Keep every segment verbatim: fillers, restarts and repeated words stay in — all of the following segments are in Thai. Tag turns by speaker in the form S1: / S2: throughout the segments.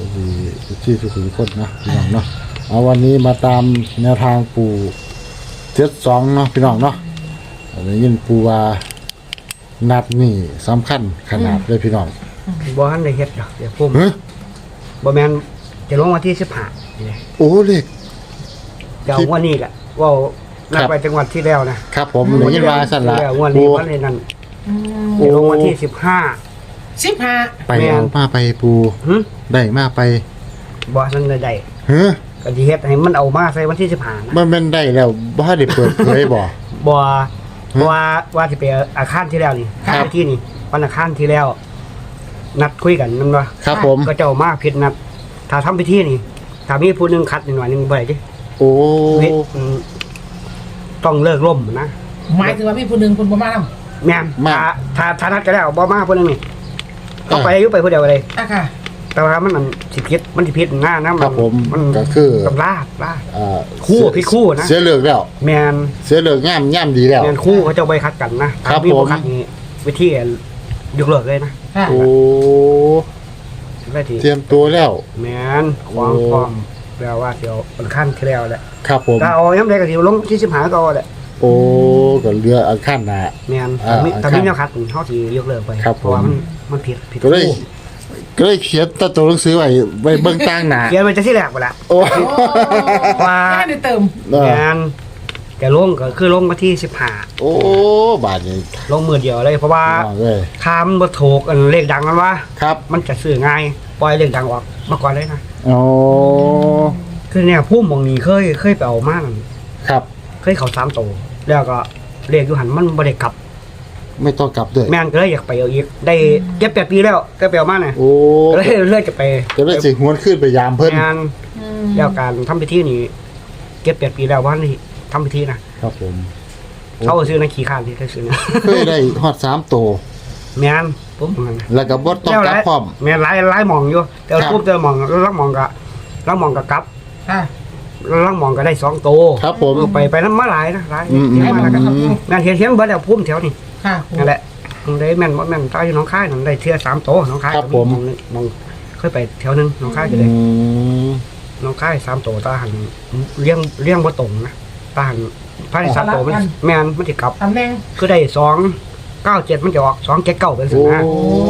S1: ดีที่ทุกคนนะพี่น้องเนาะเอาวันนี้มาตามแนวทางปู่เจ็ดสองเนาะพี่น้องเนาะได้ยินปู่ว่านัดนี่สำคัญขนาดเลยพี่น้อง
S2: บ่ทันได้เฮ็ดดอกเดี๋ยวพุ่ม
S1: ฮะ
S2: บ่แม่นจะลงวันที่สิบห้านี่แหละ
S1: โอ้เลข
S2: เดี๋ยววันนี้แหละเว้านัดไปจังหวัดที่แล้วนะครับ
S1: ผมได้ยินว่าสั่นละ
S2: แล้ววันนี้วันนี้นั่นจะลงวันที่สิบห้า
S3: สิบห้า
S1: ไปเอามาไปปู่
S2: หึ
S1: ได้มาไป
S2: บ่ทันได้ได้
S1: ฮะ
S2: ก็สิเฮ็ดให้มันเอามาใส่วันที่สิบห้านะ
S1: มันแม่นได้แล้วบ่ได้เปิดเผยบ่
S2: บ่ว่าว่าสิไปอาคารที่แล้วนี่
S1: ครับ
S2: ไปที่นี่วันอาคารที่แล้ว นัดคุยกันนั่นว่า
S1: ครับผม
S2: ก็เจ้ามาผิดนัดถ้าทำพิธีนี่ถ้ามีผู้หนึงคัดนิดหน่อยหนึงบ่ได้ดิ
S1: โอ้
S2: เว้ยอืมต้องเลิกล่มนะ
S3: หมายถึงว่าพี่ผู้หนึ่งคุณบ่มาท
S2: แม่นถ้าถ้าถ้านัดกันแล้วบ่มาผู้หนึงนี่ต้องไปอยู่ไปผู้เดียวเลย
S3: ำอ่ะค่ะ
S2: แต่ว่ามันมันสิผิดมันสิผิดหน้านะ
S1: ค
S2: มั
S1: รับผม
S2: มัน
S1: ก็คือ
S2: ต้องลาดลาด
S1: อ่า
S2: คู่พี่คู่นะ
S1: เสียเลือกแล้ว
S2: แม่น
S1: เสียเลือกง่ามง่ามดีแล้ว
S2: แม่นคู่เขาเจ้าไปคัดกันนะครับ มี
S1: ผม
S2: บ่คัดนี่วิธียกเลิกเลยนะ
S3: ค่ะ
S1: โอ้
S2: ได้ที
S1: เตรียมตัวแล้ว
S2: แม่นความ
S1: โอ้
S2: พร้อมแปลว่าเดี๋ยวมันขั้นที่แล้วแหละ
S1: ครับผม
S2: ถ้าเอาย้ำใดก็สิลงที่สิบห้าก็เอาแหละ
S1: โอ้ก็เรืออันขั้นหนะ
S2: แม่น
S1: อ่า
S2: ถ้ามี
S1: อ่า
S2: ถ้ามี
S1: ครับ
S2: แนวคัดเฮาสิยกเลิกไป
S1: ครับ
S2: เพราะว่า
S1: ผม
S2: มันมันผิดผิด
S1: ก็เลย
S2: คู่
S1: ก็เลยเขียนตัวตัวหนังสือไว้ไว้เบื้องตั้งหนา
S2: เขียนไว้จะที่แรกบ่ล่ะ
S1: โอ้
S2: ว่า
S3: แค่ได้เติม
S1: เออ
S2: แม่นแต่ลงก็คือลงมาที่สิบห้า
S1: โอ้บาทนี้
S2: ลงมือเดียวเลยเพราะว่า
S1: เอาเลย
S2: คามบ่ถูกอันเลขดังกันว่า
S1: ครับ
S2: มันจะซื้อง่ายปล่อยเลขดังออกมาก่อนเลยนะ
S1: โอ้
S2: คือเนี่ยพุ่มหมองนี้เคยเคยไปเอามานั่น
S1: ครับ
S2: เคยเข้าสามโตแล้วก็เลขอยู่หันมันบ่ได้กลับ
S1: ไม่ต้องกลับด้วย
S2: แม่นก็เลยอยากไปเอาอีกได้เจ็ดแปดปีแล้วก็ไปเอามาน่ะ
S1: โอ้
S2: ก็เลยเลยจะไป
S1: ก็เลยสิหวนขึ้นไปยามเพิ่น
S2: งานแล้วการทำพิธีนี่เจ็ดแปดปีแล้วว่านี่ทำพิธีนะครับ
S1: ผม
S2: เขาก็ซื้อในขี้ข้านที่เขาซื้อนะ
S1: เคยได้ฮอดสามตัว
S2: แม่นปุ๊บมัน
S1: แล้วก็บ่ต้องกลับพร้อม
S2: แม่นหลายหลายหมองอยู่แต่ว่า
S1: ครับ
S2: ปุ๊บเจอหมองแล้วลักหมองก็ลักหมองก็กลับ
S3: ค่ะ
S2: แล้วลักหมองก็ได้สองโต
S1: ครับผม
S2: ไปไปน้ำมาหลายนะหลาย
S1: อืมอืม
S2: เยอะมากนะครับงานเทียนเทียนเบิร์ดแล้วพุ่มแถวนี่
S3: ค่ะ
S2: นั่นแหละมันได้แม่นบ่แม่นตายอยู่หน้องค่ายนั่นได้เทื่อสามโตหน้องค่าย
S1: ครับผม
S2: มองนึงมองเคยไปแถวนึงหน้องค่ายก็
S1: อื
S2: เลย
S1: ม
S2: หน้องค่ายสามโตตาหันเลี้ยงเลี้ยงบ่ตรงนะตาหันภายในสามโตมันแม่นมันสิกลับ
S3: ตำแหน่ง
S2: คือได้สองเก้าเจ็ดมันจะออกสองเจ็ดเก้าเป็นสิ
S1: โอ้
S2: นะ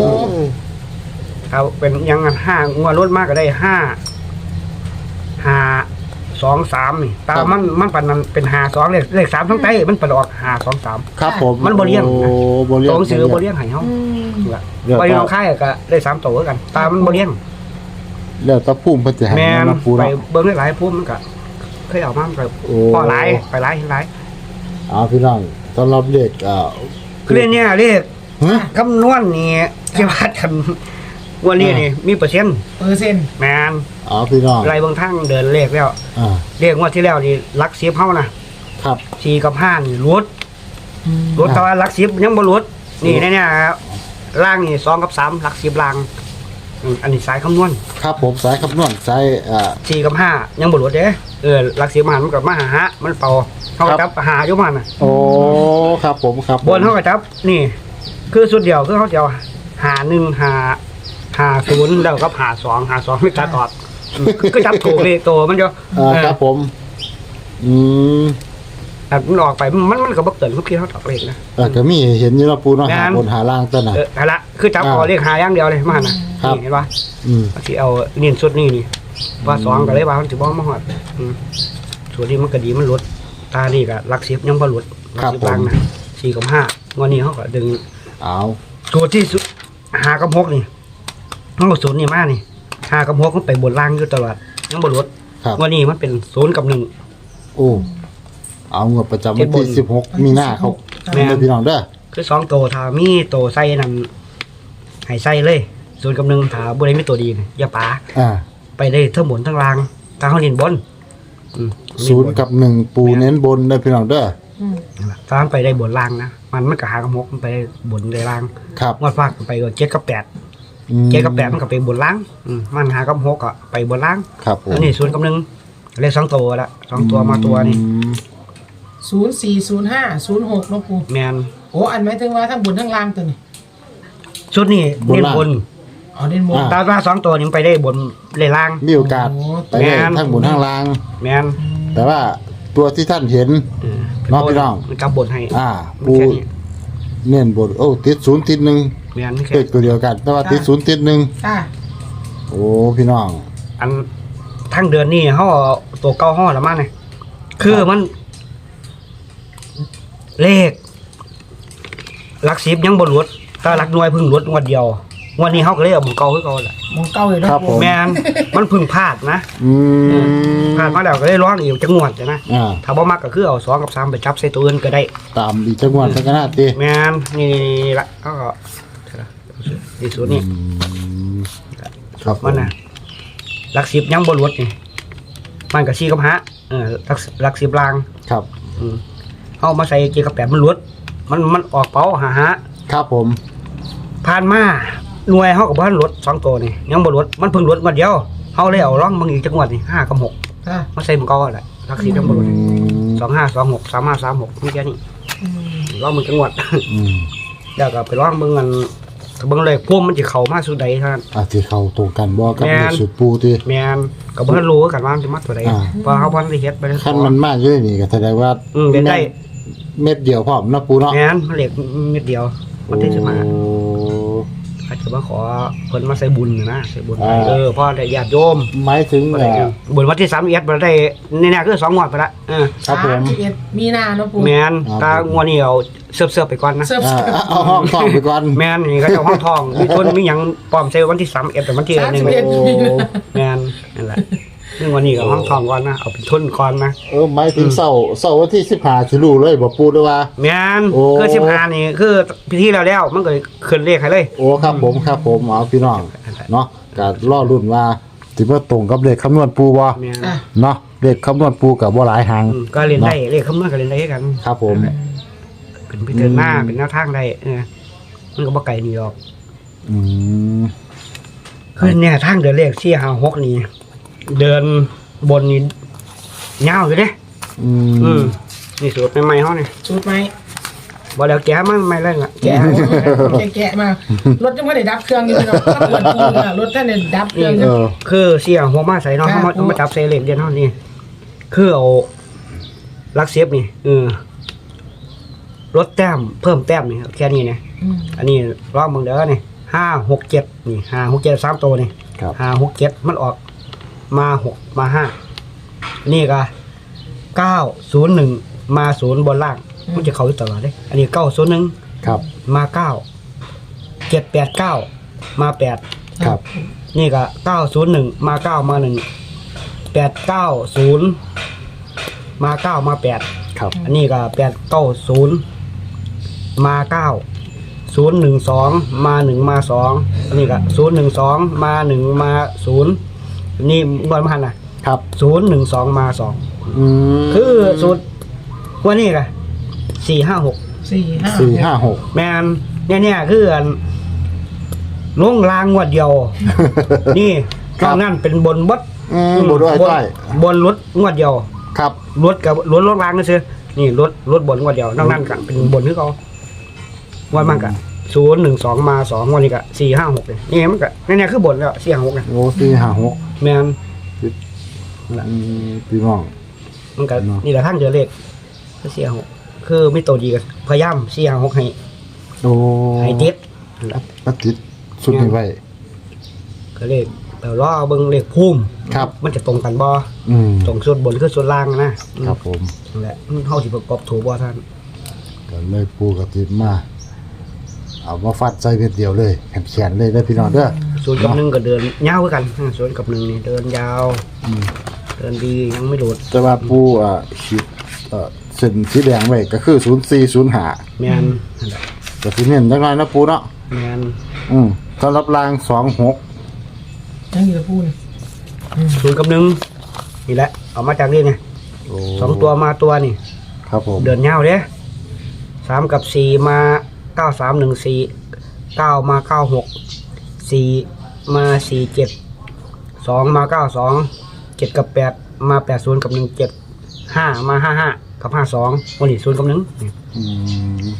S2: เอาเป็นอยังงั้นห้างวดรถมากก็ได้ห้าห้าสองสามนี่ตามันมันปันนั้นเป็นห้าสองเลขเลขสามทั้งไตมันปันออกห้าสองสาม
S1: ครับผม
S2: มันบ่เลี้ยงนะ
S1: โอ้บ่เลี้ยง
S2: ตรงซื้อบ่เลี้ยงให้เฮา
S3: อืม
S2: ล่ะ
S1: เดี๋ยว
S2: ไปน้องค่ายก็ได้สามโตกัน ตามันบ่เลี้ยง
S1: แล้วตะพุ่มเพิ่นสิให้
S2: แม่น
S1: มาปู
S2: ไป
S1: เนาะ
S2: เบิ่งหลายๆพุ่มมันก็เคยเอามามันก็
S1: โอ้
S2: พอหลายไปหลายหลาย
S1: เอาพี่น้องสำหรับเลขอ่า
S2: คือเนี่ยเลข
S1: ฮะ
S2: คำนวณนี่สิว่ากันวันนี้นี่มีเปอร์เซ็นต์
S3: เปอร์เซ็นต์
S2: แม่น
S1: เอาพี่น้อง
S2: ไรเบางทางเดินเลขแล้ว
S1: อ่า
S2: เลขงวดที่แล้วนี่หลักสิบเฮานะครับ สี่กับห้านี่ลดลดแต่ว่าหลักสิบยังบ่ลดนี่แน่ๆครับล่างนี่สองกับสามหลักสิบล่างอืมอันนี้สายคำนวณ
S1: ครับผมสายคำนวณสายอ่า
S2: สี่กับห้ายังบ่ลดเด้เออหลักสิบมันมันก็มาหาหามันเป่าเฮาก็
S1: ครั
S2: จั
S1: บ
S2: บหาอยู่มันน่ะ
S1: โอ้ครับผมครับผม
S2: บนเฮาก็จับนี่ คือสุดเดียวคือเฮาจะเอาหาหนึ่งหาหาศูนย์แล้วก็หาสองหาสองไม่ตัดออกอืมก็จับถูกเลขโตมันจะ
S1: อ่า
S2: เออ
S1: ครับผมอืม
S2: แต่มันออกไปมันมันก็บ่เกินทุกทีเฮาตอกเลขนะ
S1: เออก็มีเห็นอยู่เนาะปูเนาะ
S2: แม่น
S1: หาบนหาล่างตัวน่ะ
S2: เออเอาละคือจับ
S1: อ่า
S2: เอาเลขหาอย่างเดียวเลยมาหั่นน่ะ
S1: ครับ
S2: นี่เห็นป่ะ
S1: อืม
S2: ที่เอานี่สุดนี่นี่ว่าสองก็เลยว่ามันสิบ่มาฮอดอืมส่วนนี้มันก็ดีมันลดตานี่ก็หลักสิบยังบ่ลดหลักสิบล่างนะสี่กับห้างวดนี้เฮาก็ดึง
S1: เอา
S2: ตัวที่สุดหากับหกนี่มันก็ศูนย์นี่มานี่หากับหกมันไปบนล่างอยู่ตลอดยังบ่ลด
S1: ครับ
S2: วันนี้มันเป็นศูนย์กับหนึ่ง
S1: โอ้เอางวดประจำวันที่
S2: เจ็ดบน
S1: สิบหกมีนาครับ
S2: แม่น
S1: เด้อพี่น้องเด้อ
S2: คือสองตัวถ้ามีตัวใส่นั่นให้ใส่เลยศูนย์กับหนึ่งถ้าบ่ได้มีตัวดีนี่อย่าปา
S1: อ่า
S2: ไปได้ทั้งบนทั้งล่างทางเฮาเน้นบนอืม
S1: ศูนย์กับหนึ่งปูเน้นบนเด้อพี่น้องเด้อ
S3: อืม
S2: ถ้ามันไปได้บนล่างนะมันมันก็หากับหกมันไปได้บนได้ล่าง
S1: ครับ
S2: งวดฟากไปก็เจ็ดกับแปด
S1: อืม
S2: เจ็ดกับแปดมันก็ไปบนล่างอืมมันหากับหกก็ไปบนล่าง
S1: ครับผม
S2: อันนี้ศูนย์กับหนึ่งเลขสองตัวละสองตัวมาตัวนี่
S1: อืม
S3: ศูนย์สี่ศูนย์ห้าศูนย์หกเนาะปู
S2: แมน
S3: โอ้อันหมายถึงว่าทั้งบนทั้งล่างตัวนี้
S2: ชุดนี้เน้นบน
S3: ออ๋อเด่นบน
S1: อ่า
S2: ตาว่าสองตัวนี้มันไปได้บนเลยล่าง
S1: มีโอกาส
S3: โอ้
S1: ไปได้
S2: แม่น
S1: ทั้งบนทั้งล่าง
S2: แมน
S1: แต่ว่าตัวที่ท่านเห็น
S2: เออ
S1: น้องพี่น้อง
S2: มันกลับบนให้
S1: อ่า
S2: มัน
S1: ปู
S2: แค่นี้
S1: เน้นบนโอ้ติดศูนย์ติดหนึ่ง
S2: แมนแค่
S1: เลขตัวเดียวกัน แต่ว่าติดศูนย์ติดหนึ่ง
S3: ค่ะ
S1: โอ้พี่น้อง
S2: อันทั้งเดือนนี่เขาเอาตัวเก้าห้อละมาเนี่ยคือมัน เลขหลักสิบยังบนรวดแต่หลักหน่วยเพึ่งรวดงวดเดียวงวันนี้เขาก็เลยเอาบุกเก่าขึ้นก่อนแหละ
S3: มองเก้าเลยเนาะ
S1: ครับผม
S2: แมนมันเพึ่งพลาดนะ
S1: อืม
S2: พลาดมาแล้วก็เลยร้องอีกจังหวัดนะ
S1: อ่า
S2: ถ้าบ่มักก็คือเอาสองกับสามไปจับใส่ตัวอื่นก็ได้
S1: ตามอีกจังหวัดสักนาที
S2: แมนนี่ละก็ดีสุดนี่
S1: อืมครับผ
S2: มันนะหลักสิบยังบนรวดนี่มันกับชีกับฮะเออหลักหลักสิบลาง
S1: ครับ
S2: อืมเอามาใส่เกียร์กับแปดมันรวดมันมันออกเป้าหาฮะ
S1: ครับผม
S2: ผ่านมาหน่วยเขากับบ้านรถสองตัวนี่ยังบนรถมันเพิ่งรถมาเดียวเขาเลยเอาร่องบางอีกจังหวัดนี่ห้ากับหก
S3: ค่ะ
S2: มาใส่มันก็แหละหลักสิบยังบนรถ
S1: อืม
S2: สองห้าสองหกสามห้าสามหกนี่แค่นี้
S3: อืม
S2: ร่องมึงจังหวัด
S1: อืม
S2: แล้วก็ไปร่องเบิ่งกันเบิ่งเลยพวกมันจะเข้ามาสุดใดเท่านั้น
S1: อาจจะเข้าตรงกันบ่กับ
S2: แม่น
S1: ในสุดปูที่
S2: แม่นก็บ่ทันรู้กันว่ามันจะมาตัวใด
S1: อ่า
S2: เพราะเขาบ่ทันได้เฮ็ดไปเลย
S1: ขั้นมันมากอยู่นี่ก็แสดงว่า
S2: อืมเล่นได้
S1: เม็ดเดียวพร้อมเนาะปูเนาะ
S2: แม่นมันเหล็กเม็ดเดียวมันได้จะมา
S1: โอ้
S2: อาจจะมาขอเพิ่นมาใส่บุญน่ะนะใส่บุญ
S1: อ่า
S2: เออพ่อได้ญาติโยม
S1: หมายถึง
S2: บ่
S1: เอ่
S2: ได้
S1: อ
S2: บุญวันที่สามสิบเอ็ดบ่ได้แน่ๆคือสองงวดไปละเออ
S1: ครับผม
S3: สามสิบเอ็ดมีนาเนาะปู
S2: แม่น
S1: ครับ
S2: ตางวดนี้เอาเสิร์ฟๆไปก่อนนะ
S3: เสิร์ฟ
S1: อ่าเอาห้องทองไปก่อน
S2: แม่นนี่ก็เจ้าห้องทองมีทุนมีหยังปลอมใส่วันที่สามสิบเอ็ดแต่วันที่
S3: สาม
S2: หนึ่
S3: สิ
S2: ง
S3: บเอ็ด
S1: โอ้
S3: มีนา
S2: แม่นนั่นแหละซึ่งวันนี้ก็ห้องทองก่อนนะเอาเป็นทุนก่อนนะ
S1: เออหมายถึงเสาร์เสาร์วันที่สิบห้าสิรู้เลยบ่ปูด้วยว่า
S2: แม่น
S1: โอ้
S2: คือสิบห้านี่คือพิธีแล้วแล้วมันก็ขึ้นเลขให้เลย
S1: โอ้ครับผมครับผมเอาพี่น้องเนาะก็รอรุ่นว่าสิมาตรงกับเลขคำนวณปูบ่
S2: แม่น
S3: อ่ะ
S1: เนาะเลขคำนวณปูกับบ่หลายหาง
S2: อืมก็เรียนได้เลขคำนวณก็เรียนได้กัน
S1: ครับผม
S2: เป็นพิจารณาเป็นแนวทางได้เออมันก็บ่ไกลนี่หรอก
S1: อืม
S2: คือเนี่ยทางเดินเลขสี่ห้าหกนี่เดินบนนี่ยาวอยู่เด้
S1: อื
S2: อืม
S1: ม
S2: นี่สูตรใหม่ๆเฮานี่
S3: ชุดไหม
S2: บ่แล้วแกะมันไม่เล่นละแกะ
S3: แกะแกะมารถยังไม่ได้ดับเครื่องอยู่เนาะถ้าเปิดปูน่ะรถท่านเนี่ยดับเครื่องอ
S1: เอยู่ อ
S2: คือเสี่ยหัวมาใส่เนาะ
S3: ครั
S2: เฮา
S3: บ
S2: มามาจับใส่เลขเดียวเฮานี่คือเอาลักเสียบนี่เออลดแต้มเพิ่มแต้มนี่แค่นี้นะ
S3: อืม
S2: อันนี้รอบมึงเด้อนี่ห้าหกเจ็ดนี่ห้าหกเจ็ดสามตัวนี่
S1: ครับ
S2: ห้าหกเจ็ดมันออกมาหกมาห้านี่ก็เก้าศูนย์หนึ่งมาศูนย์บนล่างมันจะเข้าอยู่ตลอดเลยอันนี้เก้าศูนย์หนึ่ง
S1: ครับ
S2: มาเก้าเจ็ดแปดเก้ามาแปด
S1: ครับ
S2: นี่ก็เก้าศูนย์หนึ่งมาเก้ามาหนึ่งแปดเก้าศูนย์มาเก้ามาแปด
S1: ครับ
S2: อันนี้ก็แปดเก้าศูนย์มาเก้าศูนย์หนึ่งสองมาหนึ่งมาสองอันนี้ก็ศูนย์หนึ่งสองมาหนึ่งมาศูนย์นี่งวดมาหันน่ะ
S1: ครับ
S2: ศูนย์หนึ่งสองมาสอง
S1: อืม
S2: คือศูนย์วันนี้ก็สี่ห้าหก
S3: สี่ห้า
S1: สี่ห้าหก
S2: แมนเนี่ยเนี่ยคืออันลงรางงวดเดียว นี่
S1: ครั
S2: ต
S1: บ
S2: อนนั้นเป็นบนบด
S1: อืมบ่ด้วย
S2: บน
S1: ต้อย
S2: บนรถงวดเดียว
S1: ครับ
S2: รถกับรถรถรางก็คือนี่รถรถบนงวดเดียวนอกนั้นก็เป็นบนคือเขาวันมันก็ศูนย์หนึ่งสองมาสองวันนี้ก็สี่ห้าหกเลยนี่มันก็เนี่ยเนี่ยคือบนแล้วสี่ห้าหกนะ
S1: โอ้สี่ห้าหก
S2: แมน
S1: อืมพี่น้อง
S2: มันก็
S1: เนาะ
S2: นี่แหละทั้งเดือนเลขก็สี่ห้าหกคือไม่โตดีกันพยายามสี่ห้าหกให้
S1: โอ้
S2: ให้เด็ด
S1: ปัดติดสุดนี้ไว้
S2: ก็เลขแต่ล้อเบิ่งเลขพุ่ม
S1: ครับ
S2: มันจะตรงกันบ่
S1: อืม
S2: ตรงส่วนบนคือส่วนล่างนะอืม
S1: ครับผม
S2: นั่นแหละมันเฮาสิประกอบถูกบ่ท่าน
S1: ก็เลยปูกระติดมา เอามาฟัดใจเม็ดเดียวเลยแขนๆเลยได้อพี่น้องเด้อ
S2: ศูนย์กับหนึ่งก็เดินยาวคือกันอ่าศูนย์กับหนึ่งนี่เดินยาว
S1: อืม
S2: เดินดียังไม่หลุด
S1: แต่ว่าปูอ่ะขีดเอ่อเส้นสีแดงไว้ก็คือศูนย์สี่ศูนย์ห้า
S2: แม่นนั่นแหละ
S1: ก็สิเน้นจังไงนะปูเนาะ
S2: แม่น
S1: อืมสำหรับรางสองหก
S3: ยังอยู่ละปูนี่
S2: ศูนย์กับหนึ่งนี่แหละเอามาจากนี่ไง
S1: โอ้
S2: สองตัวมาตัวนี่
S1: ครับผม
S2: เดินยาวเด้สามกับสี่มาเก้าสามหนึ่งสี่เก้ามาเก้าหกสี่มาสี่เจ็ดสองมาเก้าสองเจ็ดกับแปดมาแปดศูนย์กับหนึ่งเจ็ดห้ามาห้าห้ากับห้าสองวันนี้ศูนย์กับหนึ่งนี่
S1: อืม
S2: นั่นแหละ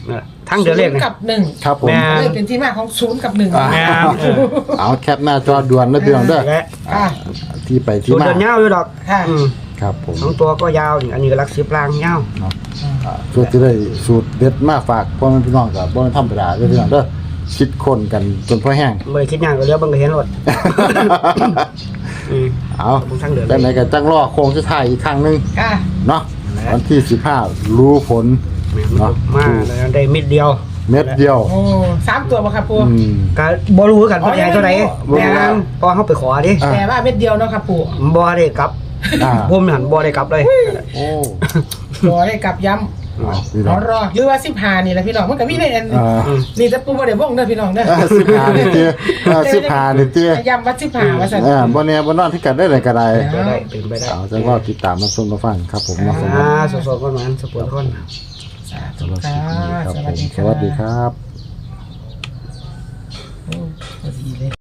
S2: ทั้งเดือนเลข
S3: ศูน
S2: เนี่ย
S3: ย์กับหนึ่ง
S1: ครับผม
S2: แม่
S3: เลยเป็นที่มาของศูนย์กับหนึ่ง
S1: อ่า
S2: แม่เออ
S1: เอาแคปหน้าจอด่วนนะพี่น้องเด้อ
S2: และ
S3: ค่ะ
S1: ที่ไปที่
S2: สูตร
S1: มา
S2: เดินยาวอยู่ดอก
S3: ค่ะ
S2: อืม
S1: ครับผม
S2: สองตัวก็ยาวนี่อันนี้ก็หลักสิบล่างยาว
S1: เนาะอ่าเพื่อจะได้สูตรเด็ดมาฝากพ่อแม่พี่น้องกับบ่แม่นธรรมดาเด้อพี่น้องเด้อคิดคนกันจนพอแห้ง
S2: เมื่อคิดงานก็เลี้ยวเบังก็เห็นรถอืม
S1: เอา
S2: บางทางเดิน
S1: จังไหนก็จังรอโค้งสุดท้ายอีกครั้งหนึง
S3: ค่ะ
S1: เนาะวันที่สิบห้ารู้ผล
S2: แม่น
S1: เนาะ
S2: มาแล้วได้มิดเดียว
S1: เม็ดเดียว
S3: โอ้สามตัวบ่ครับปู
S1: อืม
S2: ก็บ่รู้คือกัน
S3: อ๋อ
S2: ว่าใหญ่เท่าไหร่
S3: ยังไม่รู้
S2: แม่นพอเฮาไปขอดิ
S1: อ่ะ
S3: แต่ว่าเม็ดเดียวเนาะครับปู
S2: บ่ได้กลับ
S1: อ่า
S2: ผมนั่นบ่ได้กลับเลย
S1: โอ้
S3: รอได้กลับย้
S1: เอาพี่
S3: ำ
S1: น้
S3: ร
S1: อ
S3: อง รอหรือว่าสิบห้านี่แหละพี่น้องมันก็มีในอัน
S1: อ่า
S3: นี่แต่ปูบ่ได้บ่งเด้อพี่น้องเด้อ
S1: อ่าสิบห้านี่เตี้ยอ่าสิบห้านี่เตี้ย
S3: ย้ำว่าสิบห้าว่าซั่น
S1: อ่าบ่แน่บ่นอนที่กันได้เลยก็ได้
S2: ไปได้เป็นไปได้
S1: เอาจังก็ติดตามมาชมมาฟังครับผมนะสำหรับ
S2: อ่าสดๆก่อนมันสปอร์ตก่อน
S3: สาธุ
S1: สำหรับค
S3: ค่ะ
S1: ลิปนี้ครับ
S3: ส
S1: ผ
S3: วัส
S1: ม
S3: ดี
S1: ส
S3: ค่ะ
S1: วัสดีครับ
S3: โอ้พอดีเลย